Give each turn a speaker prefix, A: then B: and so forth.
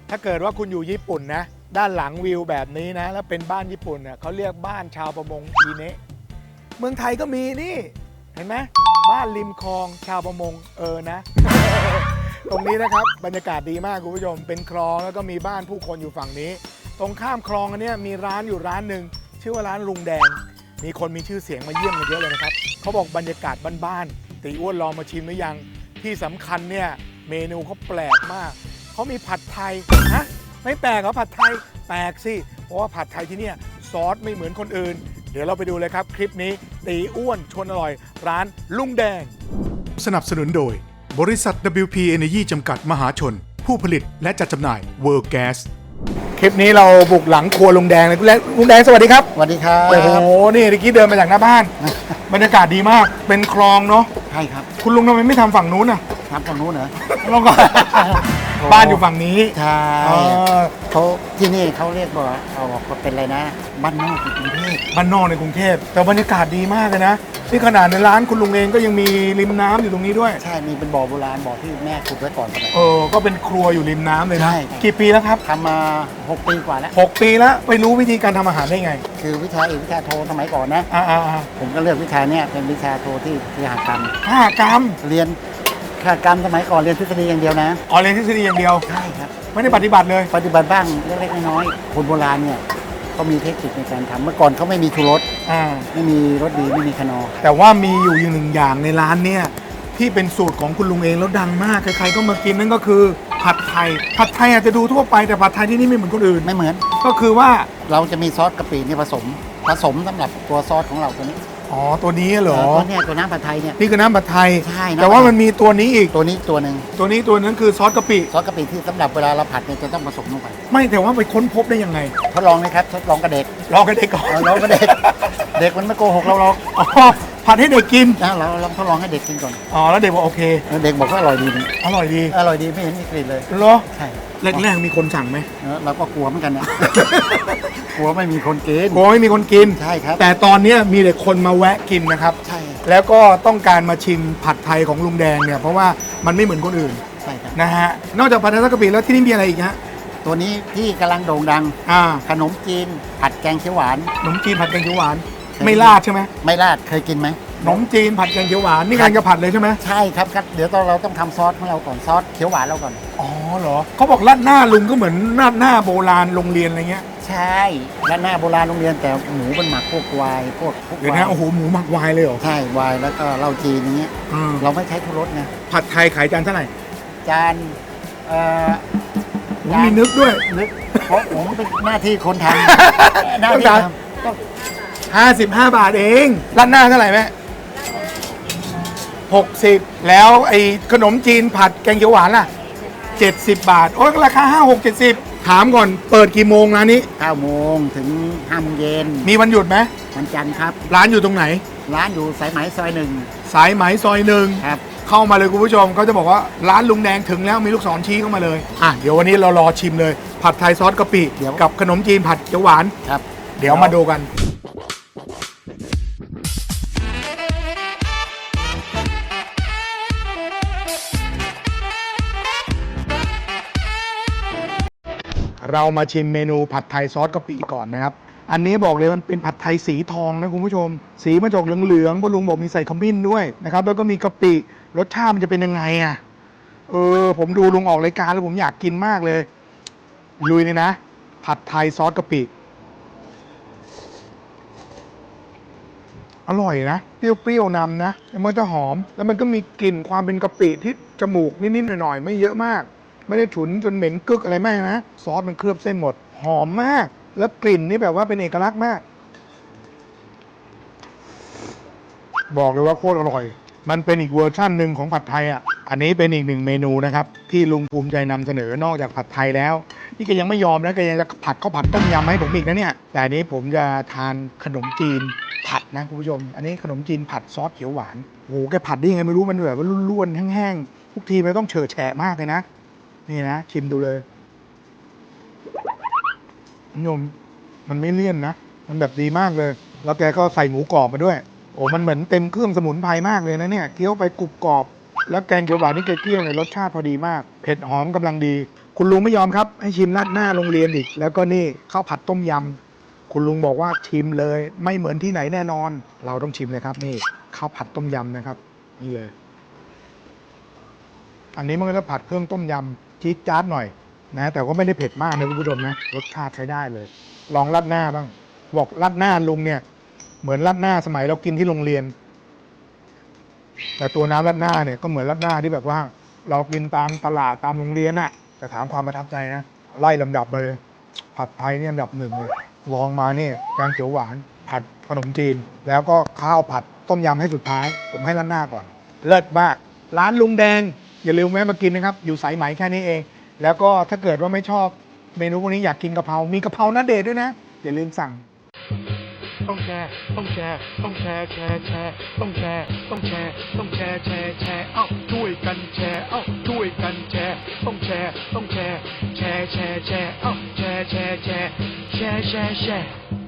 A: ถ้าเกิดว่าคุณอยู่ญี่ปุ่นนะด้านหลังวิวแบบนี้นะแล้วเป็นบ้านญี่ปุ่นเนี่ยเขาเรียกบ้านชาวประมงอีเนะเมืองไทยก็มีนี่เห็นไหมบ้านริมคลองชาวประมงนะ ตรงนี้นะครับบรรยากาศดีมากคุณผู้ชมเป็นคลองแล้วก็มีบ้านผู้คนอยู่ฝั่งนี้ตรงข้ามคลองอันนี้มีร้านอยู่ร้านหนึ่งชื่อว่าร้านลุงแดงมีคนมีชื่อเสียงมาเยี่ยมกันเยอะเลยนะครับเขาบอกบรรยากาศบ้านๆตีอ้วนลองมาชิมหรือยังที่สำคัญเนี่ยเมนูเขาแปลกมากเขามีผัดไทยฮะไม่แปลกเหรอผัดไทยแปลกสิเพราะว่าผัดไทยที่เนี่ยซอสไม่เหมือนคนอื่นเดี๋ยวเราไปดูเลยครับคลิปนี้ตีอ้วนชวนอร่อยร้านลุงแดงสนับสนุนโดยบริษัท WP Energy จำกัดมหาชนผู้ผลิตและจัดจำหน่าย World Gas คลิปนี้เราบุกหลังครัวลุงแดงเลยลุงแดงสวัสดีครับ
B: สวัสดีครับ
A: โอ้โหนี่เมื่อกี้เดินมาจากหน้าบ้าน บรรยากาศดีมากเป็นคลองเนาะ
B: ใช่ครับ
A: คุณลุงทำไมไม่ทำฝั่งนู้นอ่ะ
B: ครับตรงนู้นเหรอ
A: เราก็ บ้านอยู่ฝั่งนี้
B: ใช่
A: เออ
B: เขาที่นี่เขาเรียกว่าเอาเป็นอะไรนะบ้านนอกกรุงเทพ
A: บ้านนอกในกรุงเทพแต่บรรยากาศดีมากเลยนะนี่ขนาดในร้านคุณลุงเองก็ยังมีริมน้ำอยู่ตรงนี้ด้วย
B: ใช่มีเป็นบ่อโบราณบ่อที่แม่ขุดไว้ก่อนสมัย
A: ก็เป็นครัวอยู่ริมน้ำเลยนะ
B: ใช่
A: กี่ปีแล้วครับ
B: ทำมา 6 ปีกว่าแล้ว
A: 6 ปีแล้วไปรู้วิธีการทำอาหารได้ไง
B: คือวิชาเอกวิชาโทสมัยก่อนนะ
A: อ่า
B: ผมก็เลือกวิชาเนี้ยเป็นวิชาโทที่วิหารกรรม
A: กรรม
B: เรียนวิหารกรรมสมัยก่อนเรียนทฤษฎีอย่างเดียวนะ
A: เรียนทฤษฎีอย่างเดียว
B: ใช่ครับ
A: ไม่ได้ปฏิบัติเลย
B: ปฏิบัติบ้างเล็กๆน้อยๆคนโบราณเนี่ยเขามีเทคนิคในการทำเมื่อก่อนเขาไม่มีชูรส
A: อ่า
B: ไม่มีรสดีไม่มีคนอร์
A: แต่ว่ามีอยู่อย่างหนึ่งอย่างในร้านเนี่ยที่เป็นสูตรของคุณลุงเองแล้วดังมากใครๆก็มากินนั่นก็คือผัดไทยผัดไทยอาจจะดูทั่วไปแต่ผัดไทยที่นี่ไม่เหมือนคนอื่น
B: ไม่เหมือน
A: ก็คือว่า
B: เราจะมีซอสกะปินี่ผสมสำหรับตัวซอสของเราตัวนี้
A: ตัวนี้เหรอ
B: ตัวเนี้ยตัวน้ำผัดไทยเนี่ย
A: นี่คือน้ำผัดไทย
B: ใช่นะ
A: แต่ว่ามันมีตัวนี้อีก
B: ตัวนี้ตัวหนึ่ง
A: ตัวนั้นคือซอสกะปิ
B: ซอสกะปิที่สำหรับเวลาเราผัดเนี่ยจะต้องผสมลงไป
A: ไม่แต่ว่าไปค้นพบได้ยังไง
B: ทดลองนะครับทดลองกับเด็ก
A: ลองกันเด็กก่อน
B: ลองกับเด็ก เด็กมันไม่โกหกเราหรอก
A: อ๋อผัดให้เด็กกิน
B: นะเราลองทดลองให้เด็กกินก่อน
A: แล้วเด็กบอกโอเค
B: แล้วเด็กบอกว่าอร่อยดีนี่
A: อร่อยดี
B: อร่อยดีไม่เห็นมีกลิ่นเลย
A: เหรอ
B: ใช่
A: แรกๆมีคนสั่งไหม
B: เราก็กลัวเหมือนกันนะ กลัวไม่มีคนกิน
A: กลัวไม่มีคนกิน
B: ใช่ครับ
A: แต่ตอนเนี้ยมีแต่คนมาแวะกินนะครับ
B: ใช่
A: แล้วก็ต้องการมาชิมผัดไทยของลุงแดงเนี่ยเพราะว่ามันไม่เหมือนคนอื่น
B: ใช่ครับ
A: นะฮะนอกจากผัดไทยซอสกะปิแล้วที่นี่มีอะไรอีกฮะ
B: ตัวนี้ที่กำลังโด่งดัง ขนมจีนผัดแกงเขียวหวาน
A: ขนมจีนผัดแกงเขียวหวาน
B: ใช่
A: ไม่ราดใช่ไหม
B: ไม่ราดเคยกินไหม
A: ขนมจีนผัดแกงเขียวหวานนี่กำลังจะผัดเลยใช่ไหม
B: ใช่ครับเดี๋ยวเราต้องทำซอสของเราก่อนซอสเขียวหวานเราก่อน
A: อ๋อเหรอเขาบอกราดหน้าลุงก็เหมือนราดหน้าโบราณโรงเรียนอะไรเงี้ย
B: ใช่ร้านหน้าโบราณโรงเรียนแต่หมูมันหมักพวกวายพวก
A: เดี๋ยวนะโอ้โหหมูหมักวายเลยเหรอ
B: ใช่วายแล้วก็เหล้าจีนอย่างเงี้ย
A: อืม
B: เราไม่ใช้ทุรสไง
A: ผัดไทยขายจานเท่าไหร่
B: จาน
A: ผมมีนึกด้วย
B: นึกเพราะผมเป็นหน้าที่คนทำหน้าที่ทำต้อง
A: 55 บาทเองราดหน้าเท่าไหร่แม่60แล้วไอ้ขนมจีนผัดแกงเขียวหวานล่ะ70 บาทโอ้ยราคา5 6 70ถามก่อนเปิดกี่โมงร้านนี้
B: 9 โมงถึง5 โมงเย็น
A: มีวันหยุดไหม
B: วันจันทร์ครับ
A: ร้านอยู่ตรงไหน
B: ร้านอยู่สายไหมซอยหนึ่ง
A: สายไหมซอยหนึ่ง
B: ครับ
A: เข้ามาเลยคุณผู้ชมเขาจะบอกว่าร้านลุงแดงถึงแล้วมีลูกศรชี้เข้ามาเลยเดี๋ยววันนี้เรารอชิมเลยผัดไทยซอสกะปิกับขนมจีนผัดเขียวหวาน
B: ครับ
A: เดี๋ยวมาดูกันเรามาชิมเมนูผัดไทยซอสกะปิก่อนนะครับอันนี้บอกเลยมันเป็นผัดไทยสีทองนะคุณผู้ชมสีมันจะออกเหลืองๆเพราะลุงบอกมีใส่ขมิ้นด้วยนะครับแล้วก็มีกะปิรสชาติมันจะเป็นยังไงผมดูลุงออกรายการแล้วผมอยากกินมากเลยลุยเลยนะผัดไทยซอสกะปิอร่อยนะเปรี้ยวๆนำนะแล้วมันจะหอมแล้วมันก็มีกลิ่นความเป็นกะปิที่จมูกนิดๆหน่อยๆไม่เยอะมากไม่ได้ฉุนจนเหม็นกึกอะไรไม่นะซอสมันเคลือบเส้นหมดหอมมากแล้วกลิ่นนี่แบบว่าเป็นเอกลักษณ์มากบอกเลยว่าโคตรอร่อยมันเป็นอีกเวอร์ชั่นหนึ่งของผัดไทยอันนี้เป็นอีกหนึ่งเมนูนะครับที่ลุงภูมิใจนำเสนอนอกจากผัดไทยแล้วนี่แกยังไม่ยอมนะแกยังจะผัดข้าวผัดต้มยำให้ผมอีกนะเนี่ยแต่อันนี้ผมจะทานขนมจีนผัดนะคุณผู้ชมอันนี้ขนมจีนผัดซอสเขียวหวานโอ้โหแกผัดได้ยังไงไม่รู้มันแบบว่าร่วนๆแห้งๆทุกทีมันต้องเฉอะแฉะมากเลยนะนี่นะชิมดูเลยคุณผู้ชมมันไม่เลี่ยนนะมันแบบดีมากเลยแล้วแกก็ใส่หมูกรอบมาด้วยโอ้มันเหมือนเต็มเครื่องสมุนไพรมากเลยนะเนี่ยเคี้ยวไปกรุบกรอบแล้วแกงเขียวหวานนี่แกเคี่ยวในรสชาติพอดีมากเผ็ดหอมกำลังดีคุณลุงไม่ยอมครับ ให้ชิมราดหน้าโรงเรียนอีก แล้วก็นี่ข้าวผัดต้มยำคุณลุงบอกว่าชิมเลยไม่เหมือนที่ไหนแน่นอน เราต้องชิมเลยครับนี่ข้าวผัดต้มยำนะครับนี่เลย อันนี้มันก็จะผัดเครื่องต้มยำจี๊ดจ๊าดหน่อยนะแต่ก็ไม่ได้เผ็ดมากนะคุณผู้ชมนะรสชาติใช้ได้เลย ลองราดหน้าบ้างบอกราดหน้าลุงเนี่ยเหมือนราดหน้าสมัยเรากินที่โรงเรียน แต่ตัวน้ำราดหน้าเนี่ยก็เหมือนราดหน้าที่แบบว่า เรากินตามตลาดตามโรงเรียนน่ะแต่ถามความประทับใจนะไล่ลำดับเลย ผัดไทยเนี่ยอันดับหนึ่งเลยลองมาเนี่ยแกงเขียวหวาน ผัดขนมจีน แล้วก็ข้าวผัดต้มยำให้สุดท้าย ผมให้ราดหน้าก่อน เลิศมาก ร้านลุงแดง อย่าลืมแวะมากินนะครับ อยู่สายไหมแค่นี้เอง แล้วก็ถ้าเกิดว่าไม่ชอบเมนูพวกนี้อยากกินกะเพรา มีกะเพราหน้าเดชด้วยนะ อย่าลืมสั่ง
C: ต้องแชร์ ต้องแชร์ ต้องแชร์ แชร์ แชร์ ต้องแชร์ ต้องแชร์ ต้องแชร์ แชร์ แชร์ เอ้า ช่วยกันแชร์ เอ้า ช่วยกันแชร์ ต้องแชร์ ต้องแชร์ แชร์ แชร์ แชร์ เอ้า แชร์ แชร์ แชร์ แชร์ แชร์ แชร์